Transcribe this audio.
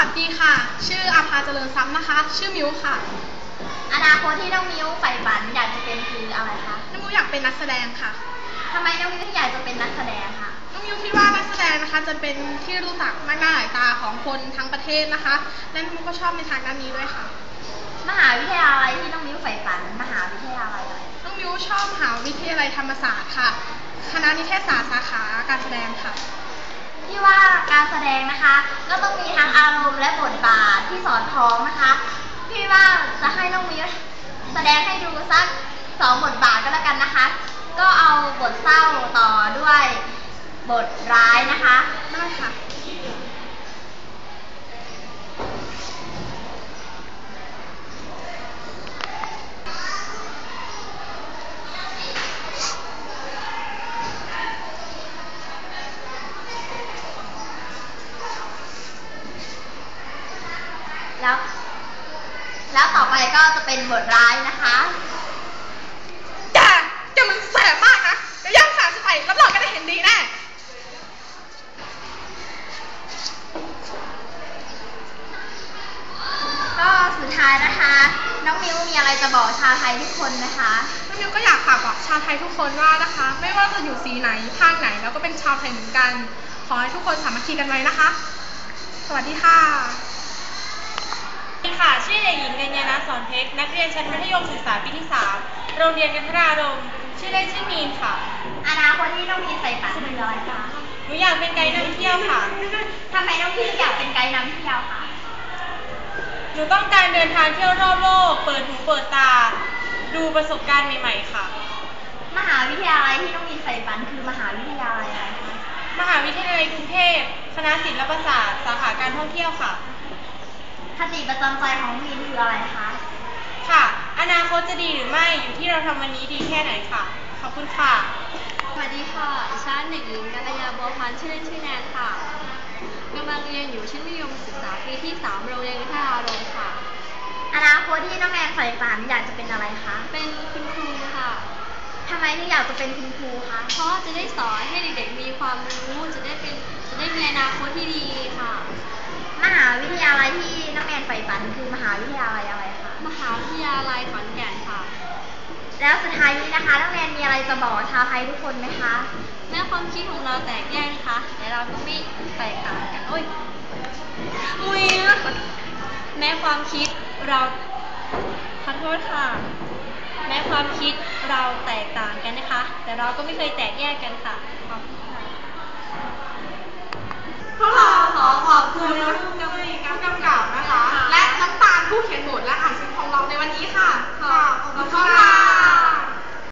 วัสดีค่ะชื่ออาภาเจริญทรัพย์นะคะชื่อมิวค่ะอนาคตที่น้องมิวใฝ่ฝันอยากจะเป็นคืออะไรคะน้องมิวอยากเป็นนักแสดงค่ะทำไมน้องมิวถึงอยากจะเป็นนักแสดงคะน้องมิวคิดว่านักแสดงนะคะจะเป็นที่รู้จักมากหน้าหลายตาของคนทั้งประเทศนะคะและน้องมิวก็ชอบในทางด้านนี้ด้วยค่ะมหาวิทยาลัยที่น้องมิวใฝ่ฝันมหาวิทยาลัยอะไรน้องมิวชอบมหาวิทยาลัยธรรมศาสตร์ค่ะคณะนิเทศศาสตร์สาขาการแสดงค่ะที่ว่าการแสดงนะคะก็ต้องมีทั้งอารมณ์และบทบาทที่สอดคล้องนะคะพี่ว่าจะให้น้องมิวแสดงให้ดูสัก2 บทบาทก็แล้วกันนะคะก็เอาบทเศร้าต่อด้วยบทร้ายนะคะได้ค่ะแล้วต่อไปก็จะเป็นบทร้ายนะคะแกมันแสบมากนะเดี๋ยวย่างขาฉันไปรับรองแกได้เห็นดีแน่ก็สุดท้ายนะคะน้องมิวมีอะไรจะบอกชาวไทยทุกคนนะคะน้องมิวก็อยากฝากบอกชาวไทยทุกคนว่านะคะไม่ว่าจะอยู่สีไหนภาคไหนแล้วก็เป็นชาวไทยเหมือนกันขอให้ทุกคนสามัคคีกันไว้นะคะสวัสดีค่ะค่ะชื่อเด็กหญิงกัญญาณสอนเพชรนักเรียนชั้นมัธยมศึกษาปีที่3โรงเรียนกันทรารมณ์ชื่อเล่นชื่อมีนค่ะอนาคตที่น้องมีนใฝ่ฝันคืออะไรคะหนูอยากเป็นไกด์นำเที่ยวค่ะทำไมน้องมีนอยากเป็นไกด์นำเที่ยวคะหนูต้องการเดินทางเที่ยวรอบโลกเปิดหูเปิดตาดูประสบการณ์ใหม่ๆค่ะมหาวิทยาลัยที่น้องมีนใฝ่ฝันคือมหาวิทยาลัยอะไรคะมหาวิทยาลัยกรุงเทพคณะศิลปศาสตร์สาขาการท่องเที่ยวค่ะคติประจำใจของมีนคืออะไรคะค่ะอนาคตจะดีหรือไม่อยู่ที่เราทำวันนี้ดีแค่ไหนค่ะขอบคุณค่ะสวัสดีค่ะดิฉันเด็กหญิงกัลยาบัวพันธ์ชื่อเล่นชื่อแนนค่ะกำลังเรียนอยู่ชั้นมัธยมศึกษาปีที่3โรงเรียนวิทยาอารมณ์ค่ะอนาคตที่น้องแนนใฝ่ฝันอยากจะเป็นอะไรคะเป็นคุณครูค่ะทำไมถึงอยากจะเป็นคุณครูคะเพราะจะได้สอนให้เด็กๆมีความรู้จะได้มีอนาคตที่ดีค่ะมหาวิทยาลัยที่น้องแนนใฝ่ฝันคือมหาวิทยาลัยอะไรคะมหาวิทยาลัยขอนแก่นค่ะแล้วสุดท้ายนี้นะคะน้องแนนมีอะไรจะบอกชาวไทยทุกคนไหมคะแม้ความคิดของเราแตกแยกนะคะแต่เราก็ไม่แตกต่างกันแม้ความคิดเราขอโทษค่ะแม้ความคิดเราแตกต่างกันนะคะแต่เราก็ไม่เคยแตกแยกกันค่ะขอบคุณค่ะพวกเราขอขอบคุณน้องกำกับนะคะและน้ำตาลผู้เขียนบทและอ่านซิงของเราในวันนี้ค่ะขอบคุณค่ะ